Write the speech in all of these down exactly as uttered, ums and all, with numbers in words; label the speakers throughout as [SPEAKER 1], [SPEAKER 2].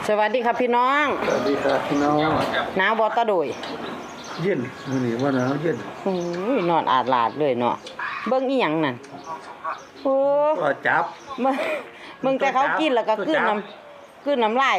[SPEAKER 1] สวัสดีครับพี่น้อง
[SPEAKER 2] สวัสดีครับพี่น้อง
[SPEAKER 1] หนาวบอตะโดย
[SPEAKER 2] เย็นมื้อนี้ว่าหนาวเย็น
[SPEAKER 1] โอ้ยนอนอาดลาดเลยเนาะเบิ่งอีหยังนั่นโอ้
[SPEAKER 2] ก็จับ
[SPEAKER 1] มึงมึงแต่เขากินแล้วก็กลืนน้ำกลืนน้ำลาย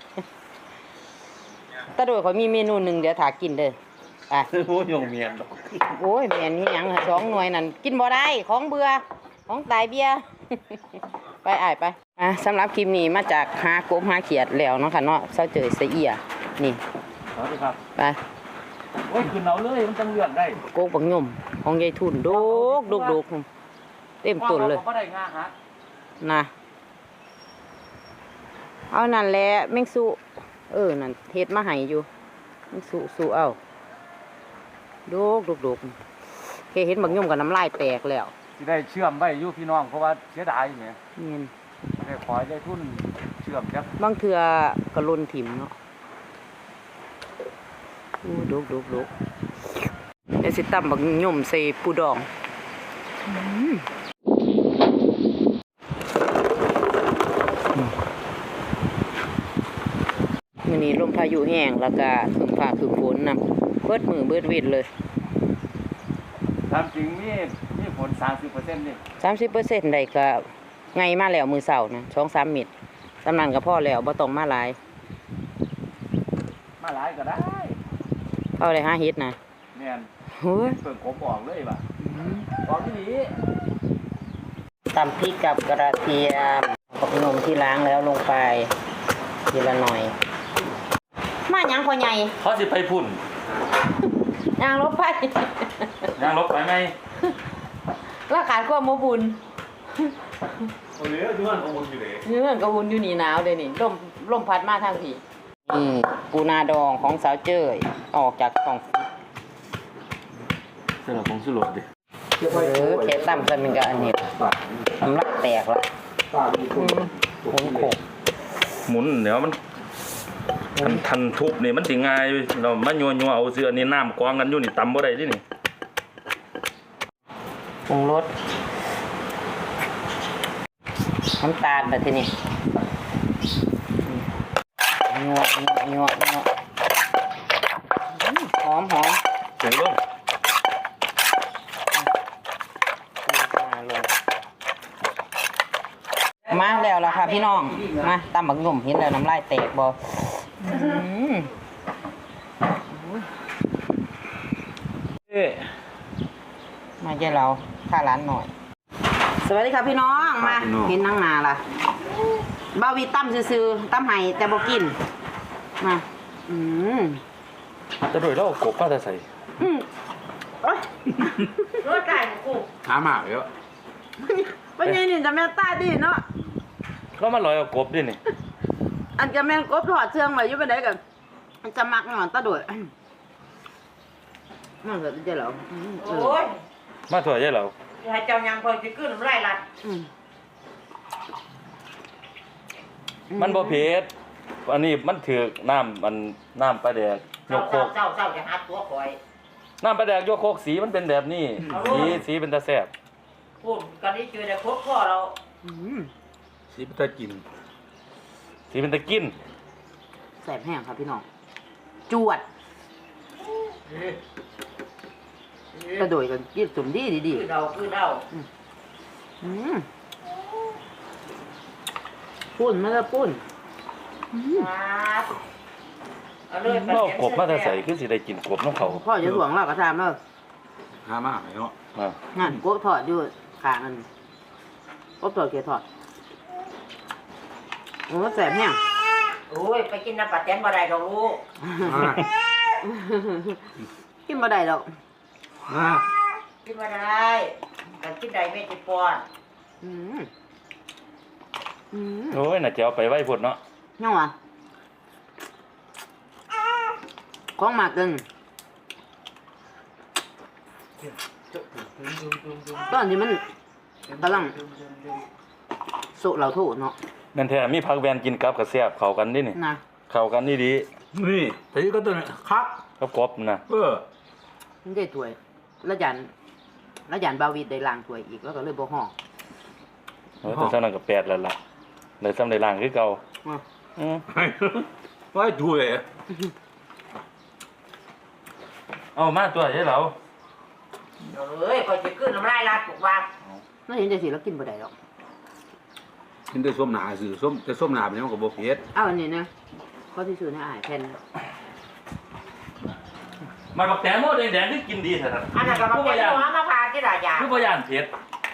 [SPEAKER 1] ตะโดยเขามีเมนูหนึ่งเดี๋ยวถากินเด้อไป
[SPEAKER 2] โอ้ยงเมียน
[SPEAKER 1] โอ้ยแม่นอีหยังสองหน่วยนั่นกินบ่ได้ของเบื่อของตายเบี้ยไปอ้ายไปอ่ะสำหรับคลิปนี้มาจากหากบหาเขียดแล้วเนาะค่ะเนาะเซาเจยเสียนี่
[SPEAKER 2] สวัสดีครับ
[SPEAKER 1] ไป
[SPEAKER 2] โอ้ยขึ้นเอาเลยมันจังเลือกได้
[SPEAKER 1] โกบักยมของยายทุนโดกโดกโดกเต็มต้นเลย
[SPEAKER 2] บ่ได้งาฮะ
[SPEAKER 1] นะเอานั่นแหละแมงสุเออนั่นเฮ็ดมาให้อยู่แมงสุสุเอาโดกโดกโดกแค่เห็นบักยมกับน้ำลายแตกแล้ว
[SPEAKER 2] สิได้เชื่อมไว้อยู่พี่น้องเพราะว่าเสียดายแหม
[SPEAKER 1] นี่น
[SPEAKER 2] ได้ขอให้ได้ทุนเชื่อมจัก
[SPEAKER 1] บางเทื่อกระลนถิ่มเนาะโอ้โดกโดกโดกเดี๋ยวสิตำบักยมใส่ปูดองมื้อนี้ลมพายุแห้งแล้วก็ถึงฟ้าถึงฝนนำเบิดมือเบิดวิดเลย
[SPEAKER 2] ตามจริงมีมีผล สามสิบเปอร์เซ็นต์ นี่
[SPEAKER 1] สามสิบเปอร์เซ็นต์ ได้ก็ไงมาแล้วมื้อเช้านะ สองสาม เม็ดสำนั้นก็พอแล้วบ่ต้องมาหลาย
[SPEAKER 2] มาหลายก็ได้
[SPEAKER 1] เอาได้หาเฮ็ดนะ
[SPEAKER 2] แม่น
[SPEAKER 1] โอ้ย
[SPEAKER 2] เพิ่นกบออกเลยว่ะออกที่นี่
[SPEAKER 1] ตำพริกกับกระเทียมผักนมที่ล้างแล้วลงไปทีละหน่อยมาหยังพ่อใหญ่
[SPEAKER 2] เขาสิไปพุ่น
[SPEAKER 1] ยางลบไป
[SPEAKER 2] ยางลบไปไหม
[SPEAKER 1] ราขาดความบ่บุญ
[SPEAKER 2] โอ้ยเรื่องกบุญอยู่เด้
[SPEAKER 1] เรื่องกบุญอยู่นี่หนาวเด้นี่ลมลมพัดมาทางพี่นี่ปูนาดองของสาวเจ้ยออกจากท้อง
[SPEAKER 2] สำหรับของสุรสดิ
[SPEAKER 1] เออแค่ตั้มซะมันก็อันนี้ทำลักแตกแล้วหมุนโขก
[SPEAKER 2] หมุนเดี๋ยวมันทันทันทุบนี่มันสิง่ายเรามายัวยัวเอาเสื้อนี่น้ำกองกันอยู่นี่ตำบ่ได้ดินี่
[SPEAKER 1] ปรุงรสน้ำตาลแบบนี้งัวงัวงัวงัวหอมหอม
[SPEAKER 2] เสียงลง
[SPEAKER 1] มาแล้วล่ะค่ะพี่น้องมาตำบักหนุ่มเห็นแล้วน้ำลายแตกบ่มาเจ้าเราข้าร้านหน่อยสวัสดีครับพี่น้องมาเห็นนั่งนาล่ะบ่าววีตั้มซื่อๆตั้มไห้แต่บ่กินมาอืม
[SPEAKER 2] จะโดยแล้วกบป้าจะใส่
[SPEAKER 1] อืมเอ้ยรถไก่กู
[SPEAKER 2] หาหมากเยอะ
[SPEAKER 1] เป็นไงนี่จะแม่ตาดีเนาะ
[SPEAKER 2] แล้วมันลอยเอากบดินี่
[SPEAKER 1] อันจะแม่กบถอดเชืองไว้อยู่ไปไหนกันมันจะมักหนอนตาโดดมันเกิดจะเหรอโอ้ย
[SPEAKER 2] มาถอดใช่เหรอ
[SPEAKER 1] ให้เจ้ายังพอจะขึ้นไรล่ะ
[SPEAKER 2] มันบ่เผ็ดอันนี้มันถือน้ำมันน้ำปลาแดกยกโคก
[SPEAKER 1] เจ้าเจ้าจะหาตัวคอย
[SPEAKER 2] น้ำปลาแดกยกโคกสีมันเป็นแบบนี้สีสีเป็นตาแซ่บ
[SPEAKER 1] พูดกันนี้เจอแต่ครบพ่อเรา
[SPEAKER 2] สีเป็นตากินสีเป็นตะกิน
[SPEAKER 1] แสบแห้งครับพี่น้องจวดกระโดดกันยืดจุ่มดีดีดีเราคือเราปุ้นไม่ได้ปุ้น
[SPEAKER 2] เรากบมาแต่ใส่ขึ้นสิได้กินกบน้องเขา
[SPEAKER 1] พ่อจะห่วงเรากระทำเนอะ
[SPEAKER 2] หามากเนาะ
[SPEAKER 1] งานกบถอดอยู่ขามันกบถอดเกลือถอดโอ้แสบแห้งโอ้ยไปกินน้ำปลาแตนบ่ได้ดอกลูกกินบ่ได้ดอกกินบ่ได้แต่กินได้ไม่ติดปอด
[SPEAKER 2] โอ้ยน่าจะเอาไปไว้พุ่นเนาะ
[SPEAKER 1] ยังวะของมากเกินตอนที่มันกำลังสุเหล่าถูเนาะ
[SPEAKER 2] นั่นแท้มีผักแวนกินกับกระเสียบเข้ากันดินี่นะเข้ากันนี่ดีนี่แต่นี่ก็ตัวนี้คักกับกบนะเออ
[SPEAKER 1] มันได้ถ้วยแล้วยันแล้วยันบาวีได้ล้างถ้วยอีกแล้วก็เลยบ่ห่อ
[SPEAKER 2] เออแต่ซ้ำนั้นก็แปดแล้วล่ะเลยซ้ำได้ล้างคือเก่า
[SPEAKER 1] หอืม
[SPEAKER 3] ว่าดูเลย
[SPEAKER 2] เอามาตัวให้เรา
[SPEAKER 4] เอ้ยก็จะขึ้นน้ำลายลาดถูกว่า
[SPEAKER 1] ไม่เห็นจะสิแล้วกินบ่ได้หรอก
[SPEAKER 3] กินได้ส้มหนาสื่อส้มแต่ส้มหนาเป็นยังกับโบเพ็ด
[SPEAKER 1] เอาอันนี้นะข้อที่ซื้อในอาหารแผ่น
[SPEAKER 2] มาบักแตงโมแดงๆที่กินดีเถอะครับ
[SPEAKER 4] อันนั้นก็มา
[SPEAKER 2] ผู้
[SPEAKER 4] เป็
[SPEAKER 2] บ่
[SPEAKER 4] น
[SPEAKER 2] ยาน
[SPEAKER 4] หัวมาพาที่ราชา
[SPEAKER 2] ผู้บ่ยานเผ็ด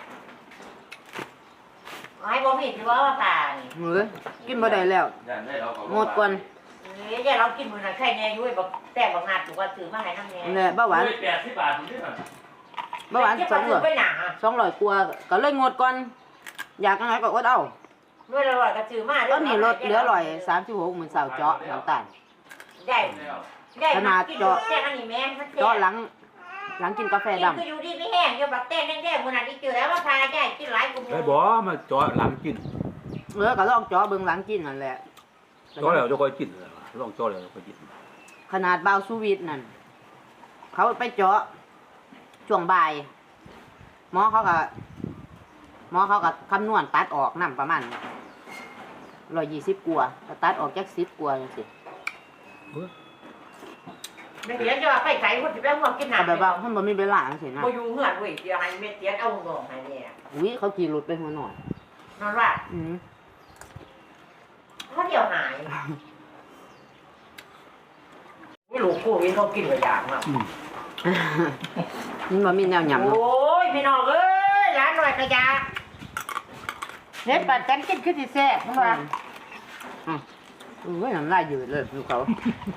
[SPEAKER 4] ให้บ่มีที่ว่ามาพานี่
[SPEAKER 1] เฮ้ยกินบ่ได้แล้ว
[SPEAKER 2] ย่านได้เราก็
[SPEAKER 1] หมดก่อน
[SPEAKER 4] เอ้ยเรากินมื้อนั้นไข่แน่อยู่ไอ้บักแต่บักนาดถูกว่าซื้อมาให้น้ำแน่
[SPEAKER 1] นั่นแหละเบาหวาน
[SPEAKER 2] ด้วยแปดสิบบาทนี่น่ะ
[SPEAKER 1] เบาหวาน
[SPEAKER 4] จะ
[SPEAKER 1] สอง
[SPEAKER 4] ซื้
[SPEAKER 1] ร้
[SPEAKER 4] อ
[SPEAKER 1] อย
[SPEAKER 4] ไปหนา
[SPEAKER 1] สองร้อยกว่าก็เลยงดก่อนอยากจังไงก็อดเอา
[SPEAKER 4] ด้วยละร้อยก็ซื้อมา
[SPEAKER 1] ตอนนี้ลดเหลือร้อยสามสิบหกหมื่นสาวเจาะน้ำตาล
[SPEAKER 4] ได้ได้กินแจ้งอันนี้แม่มัน
[SPEAKER 1] เจาะหลังหลังกินกาแฟ
[SPEAKER 4] กิน
[SPEAKER 1] ดำ
[SPEAKER 4] คืออยู่ดีไม่แห้งอยู่บักแต่แดงๆมื้อนั้นที่เจอแล้วมาพาได้กินหลายกู
[SPEAKER 3] ได้บ่มาเจาะหลังกิน
[SPEAKER 1] เออก็ลองเจาะเบิ่งหลังกินนั่นแหละ
[SPEAKER 3] เจาะแล้วจะค่อยกินเลยลองเจาะแล้วจะค่อยกิน
[SPEAKER 1] ขนาดเบาสูวิตนั่นเขาไปเจาะช่วงบ่ายหมอเขาก็หมอเขาก็คำนวณตัดออกน้ำประมาณร้อยยี่สิบกว่าก็ตัดออกจากสิบกว่าจังซี่
[SPEAKER 4] ไม่เห็นจะว่าไปไกลคนสิไปห่วงกิน
[SPEAKER 1] ก็
[SPEAKER 4] น้ำ
[SPEAKER 1] แบบว่ามันบ่มีเวลาจังซี่นะ
[SPEAKER 4] บ่อยู่เฮือนเว้ยเดี๋ยวให้เม็ดเตียนเอางงให้เนี่ย
[SPEAKER 1] อุ้ยเขาขี่รถไปหัวหน่อย
[SPEAKER 4] นอนว่า
[SPEAKER 1] อืม
[SPEAKER 4] เขาเดี๋ยวหายนี่ลูกกูวินเขากินกระยางมาก
[SPEAKER 1] มันบ่มีแนวหยำ
[SPEAKER 4] โอ้ยพี่น้องเอ้ยร้านหน่อยกระยาเฮ็ดปัดกันกินคือสิแซ่บมึงว่า
[SPEAKER 1] อืมอุ้ยน้ำลายยืดเลยดูเขา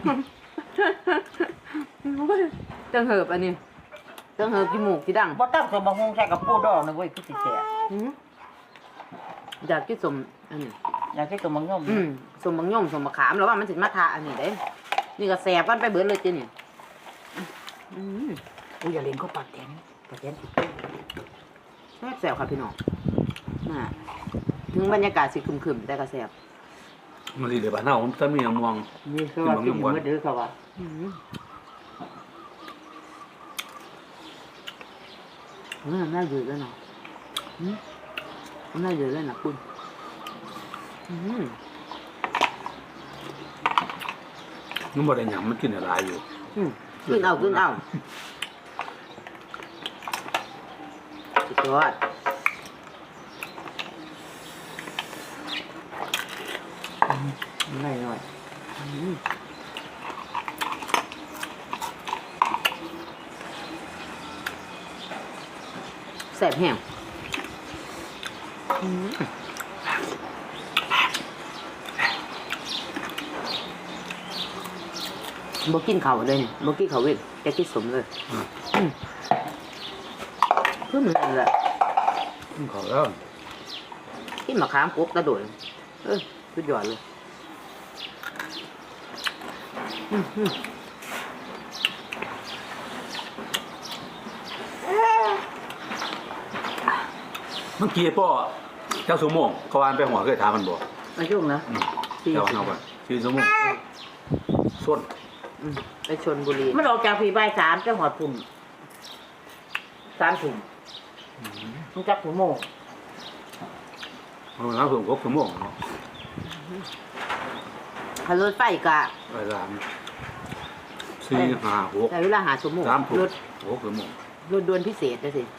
[SPEAKER 1] จังเหิบอันนี้จังเหิบกี่หมูกกี่ดัง
[SPEAKER 4] บ่ต้องสมบังฮงใส่กับปูดองนะเว้ยคือสิแซ่บ
[SPEAKER 1] อืมอยากกินสมอันนี้
[SPEAKER 4] อยากให้สมบังยม
[SPEAKER 1] อืมสมบังย่อมสมบักขามแล้วว่ามันสิมาทาอันนี้เด้นี่ก็แสบกันไปเบิดเลยจีนี่อืม
[SPEAKER 4] กูอย่าเล่นเขาปากแข็งปากแข็ง
[SPEAKER 1] แซ่บแสบครับพี่น้องน่ะถึงบรรยากาศสิครึมๆแต่ก็แสบ
[SPEAKER 3] มันดีเลยบ้านเฮาถ้ามีน้ำมวง
[SPEAKER 4] นี่คือว่ากินมื้อดื้อเขาว่า
[SPEAKER 1] อืมอืมน่าอยู่เลยเนาะอืมน่าอยู่เลยนะคุณอืม
[SPEAKER 3] มันบ่ได้หยังมันกินอะไรอยู่
[SPEAKER 1] อืมขึ้นเอาขึ้นเอาสุดยอดไม่หน่อยอืมแสบแห้งอืมบ่กินข้าวเลยเนี่ยบ่กินข้าวเว้ยจะกินสมเลยอืมคือมันนั่นแหละ
[SPEAKER 3] กินข้าวแล้ว
[SPEAKER 1] กินมะขามกบกระโดดเออสุดยอดเลยอืมอืม
[SPEAKER 3] เมื่อกี้พ่อเจ้าสมมงเขาวานไปหัวเคยถามมันบ่
[SPEAKER 1] อายุนะ
[SPEAKER 3] อืม
[SPEAKER 1] สี่
[SPEAKER 3] เจ้า
[SPEAKER 1] สิบ
[SPEAKER 3] เอาไปชื่อสมมงส้น
[SPEAKER 1] อืมไปชนบุรี
[SPEAKER 4] มันออกจากผีใบสามจังหวัดพุ่มสามถุงมันจักถุงโมง
[SPEAKER 3] เอาน้ำเพิ่มครบสมมงเนาะ
[SPEAKER 1] ขับรถไฟกะ
[SPEAKER 3] ไปสามสี่ห้าหก
[SPEAKER 1] แต่เวลาหาสมมุติ
[SPEAKER 3] สามถุง
[SPEAKER 1] รถ
[SPEAKER 3] หกสมมง
[SPEAKER 1] รถด่วนพิเศษนะสิ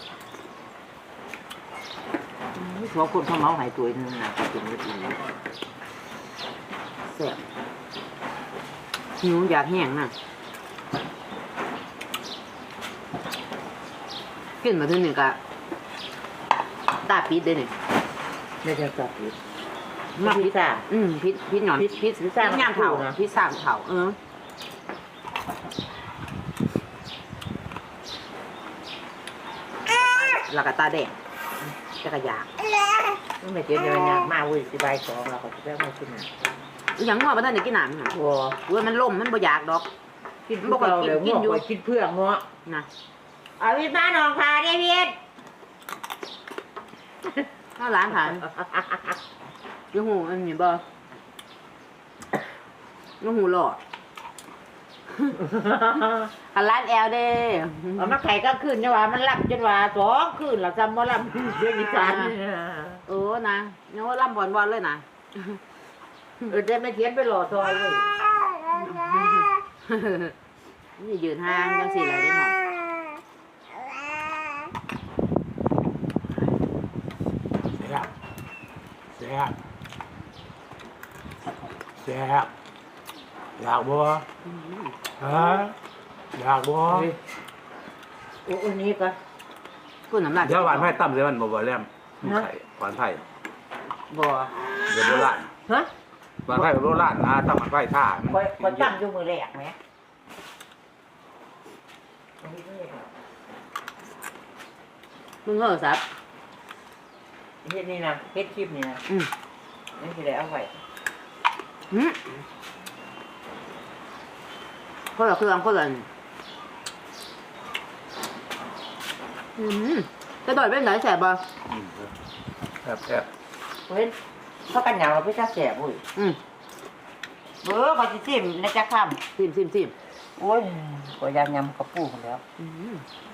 [SPEAKER 1] หัวคนเขาเมาหายตัวนึงนะจริงๆจริงแซ่บหิวอยากแห้งนะกินมาถึงหนึ่งกะตาปิดได้เนี่ย
[SPEAKER 4] ไม่ใช่กับผีมาพิซซ่า
[SPEAKER 1] อืมพิษพิษหนอน
[SPEAKER 4] พิษพิษพิษสร้าง
[SPEAKER 1] ย่างเผา
[SPEAKER 4] นะ
[SPEAKER 1] พิษสร้างเผาเออแล้วก็ตาแดงจะกระยาก
[SPEAKER 4] มันไม่เจียวเดียวเนี่ยมาเว้ยสิใบสองเราก็จะได้มากินอ่ะ
[SPEAKER 1] อหย่างว่าบ่ทันได้กินน้ำหยัง
[SPEAKER 4] วัว
[SPEAKER 1] เว้ยมันล่มมันบ่อยากดอก
[SPEAKER 4] กินพวกเราเดี๋ยวกินอยู่กินเพื่อนเนาะ
[SPEAKER 1] นะ
[SPEAKER 4] เอาวิบ้านน้องพาได้เพียร
[SPEAKER 1] ถ้าร้านขายยูหูอันนี้บ่ยูหูหลอดอันร้านแอลเด้
[SPEAKER 4] เอามาไข่ก็ขึ้นจังหวะมันรับจนว่าสองขึ้นหลับจำบ่รับเรื่องอีสาน
[SPEAKER 1] โอ้นะเนี่ยว่าล่ำบอลบอลเลยนะ
[SPEAKER 4] เออได้ไม่เทียนไปหล่อซอยเลย
[SPEAKER 1] นี่ยืนห่างจังสี่เลยได้หน่อย
[SPEAKER 3] แซ่บแซ่บแซ่บอยากบ่ฮะอยากบ่
[SPEAKER 4] โอ้อันนี้ก็
[SPEAKER 1] พูดน้ำหนัก
[SPEAKER 3] เดี๋ยวหวานไผ่ตั้มเดี๋ยวมันบ่บ่แลมไข่หวานไผ่
[SPEAKER 4] บ่
[SPEAKER 3] เดี๋ยวโบราณ
[SPEAKER 4] ฮะ
[SPEAKER 3] หวานไผ่โบราณนะตั้มหวานไผ่ท่ามัน
[SPEAKER 4] คอยคอยตั้งอยู่มือแรกไหม
[SPEAKER 1] มึงเหรอซับ
[SPEAKER 4] เฮ็ดนี่นะเฮ็ดคลิปนี่นะ
[SPEAKER 1] อืม
[SPEAKER 4] นี่สิได้เอาไว้
[SPEAKER 1] อืมคนละเครื่องคนละอันอืมจะต่อยเป็นไหนแสบบ่
[SPEAKER 3] อืมแซ่บแซ่บ
[SPEAKER 4] เฮ้ยเขากันหยาบเราไปจักแสบอุ้ย
[SPEAKER 1] อืม
[SPEAKER 4] เบ้อเขาสิซิมในจักค
[SPEAKER 1] ซิมซิมซิม
[SPEAKER 4] ำโอ้ยก็ยางยำกับปูคนแล้ว
[SPEAKER 1] อืม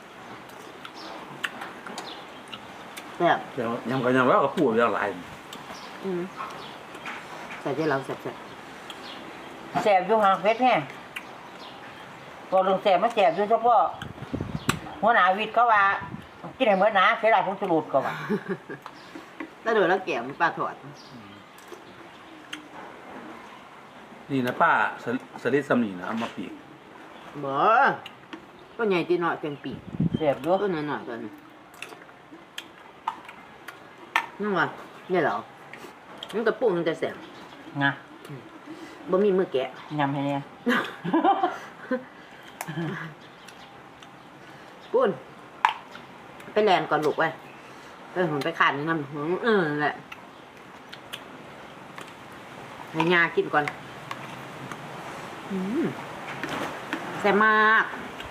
[SPEAKER 1] แสบ
[SPEAKER 3] เดี๋ยวยำกันยำแล้วก็พูดเรื่องหลาย
[SPEAKER 1] อืมใส่ใจเราแสบแสบ
[SPEAKER 4] แสบอยู่ห่างเพชรแห้งพอลงแสบมันแสบอยู่เฉพาะหัวหน้าวิทย์เขาว่ากินให้เหมือนหนาเสียดายผงชูรสก็ว่า
[SPEAKER 1] แล้วโดยแล้วแก้มปลาถอด
[SPEAKER 3] นี่นะป้าสลิสลิดสำนีนะเอามาปีก
[SPEAKER 1] บ่ก็ใหญ่ตีน้อยเป็นปีก
[SPEAKER 4] แสบอยู่
[SPEAKER 1] ก็น้อยหน่อยๆตัวนี้นั่นวะเนี่ยเหรอมันกระปุกมันจะแสบ
[SPEAKER 4] นะ
[SPEAKER 1] บ่มีมือแกะ
[SPEAKER 4] ยำให้เนี่ย
[SPEAKER 1] ปุ้นไปแลนก่อนลูกไว้ไปหุ่นไปขันนี่น้ำหืมเออนั่นแหละให้ยากินก่อนอืมแซ่บมาก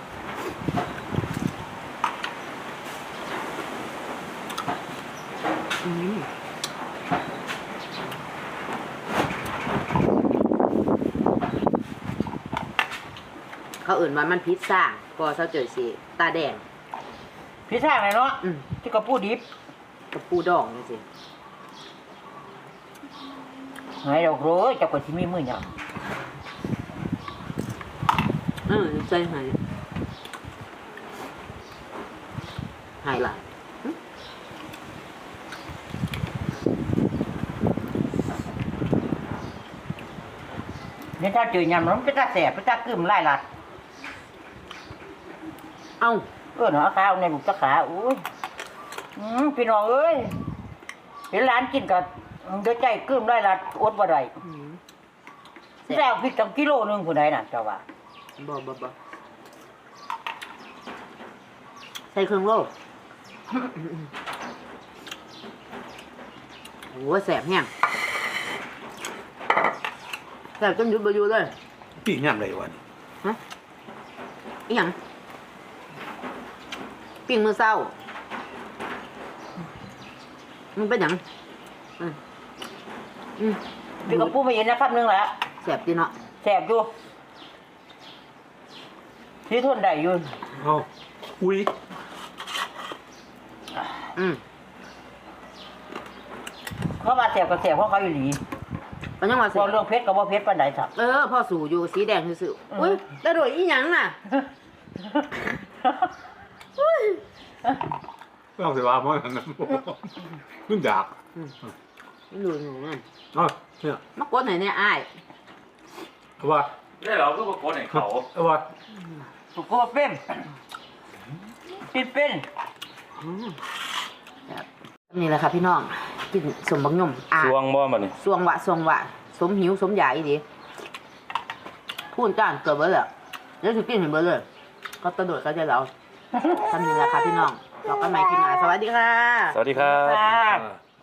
[SPEAKER 1] อืมเขาอื่นว่ามันพิซซ่าพอเขาเจอสิตาแดง
[SPEAKER 4] พี่ช่างเลยเนาะ
[SPEAKER 1] อืม
[SPEAKER 4] ที่กระปูดิบ
[SPEAKER 1] กับปูดองนี่สิ
[SPEAKER 4] ไหนดอกโรยจับกว่าที่มีมือหยำ
[SPEAKER 1] เออใจหายหายละ
[SPEAKER 4] เนี่ยถ้าเจอยำแล้วมันจะแสบมันจะกึ่มไล่ลัด
[SPEAKER 1] เอ้า
[SPEAKER 4] เออหนอข้าวในบุกตะขาอุ้ยอืมพี่น้องเอ้ยเห็นร้านกินกับเดือดใจกึ่มไล่ลัดอดบ่ได้
[SPEAKER 1] อืม
[SPEAKER 4] แซ่บพริกตั้งกิโลนึงผู้ใดน่ะเจ้าว่า
[SPEAKER 1] บ่บ่บ่ใส่เครื่องโลกโอ้แสบแห้งแสบจนหยุดบ่อยู่เลย
[SPEAKER 3] ปีกยำไรวะนี่
[SPEAKER 1] ฮะอีหยังปิ้งมื้อเช้ามันเป็นหยังอืมอืม
[SPEAKER 4] พี่กระปูไม่เห็นนะครับนึงแหละ
[SPEAKER 1] แสบดีเนาะ
[SPEAKER 4] แสบอยู่ที่ทนได้อยู่
[SPEAKER 3] เอาอุ้ย
[SPEAKER 1] อืม
[SPEAKER 4] เขาว่าแสบกับแสบเพราะเขาอยู่หลี
[SPEAKER 1] ก็ยังว่าแส
[SPEAKER 4] พ
[SPEAKER 1] บ
[SPEAKER 4] อเรื่องเพชรกับว่าเพชรปานใดสัก
[SPEAKER 1] เออพ่อสู่อยู่สีแดงซื่อๆอุ้ยแต่โดยอีหยังน่ะ
[SPEAKER 3] ไม่ต้องเสียว่าเพราะนั่นนะขึ้นดาบ
[SPEAKER 1] ไม่รู้หนูนั่น
[SPEAKER 3] เอ๋อเนี่ย
[SPEAKER 1] มากดไหนเนี่ยอ้าย
[SPEAKER 3] เอาว่า
[SPEAKER 2] ได้เราก็มาโกนให้เขา
[SPEAKER 3] เอาว่า
[SPEAKER 4] ถูกก็ว่าเป็นเป็นเป็น
[SPEAKER 1] อืมครับนี่แหละค่ะพี่น้องกินสมบักยมอ่า
[SPEAKER 2] สวงบ่มานี่
[SPEAKER 1] สวงวะสวงวะสมหิวสมอยากอีดีพูดจ้านเกิดเบอร์เลยแล้วถึงกินเห็นเบอร์เลยก็กระโดดก็จะเราทำนี่แหละค่ะพี่น้องเรากันใหม่ที่หน้าสวัสดีค่ะ
[SPEAKER 2] สวัสดีครับ
[SPEAKER 4] ค่ะ
[SPEAKER 3] อ่า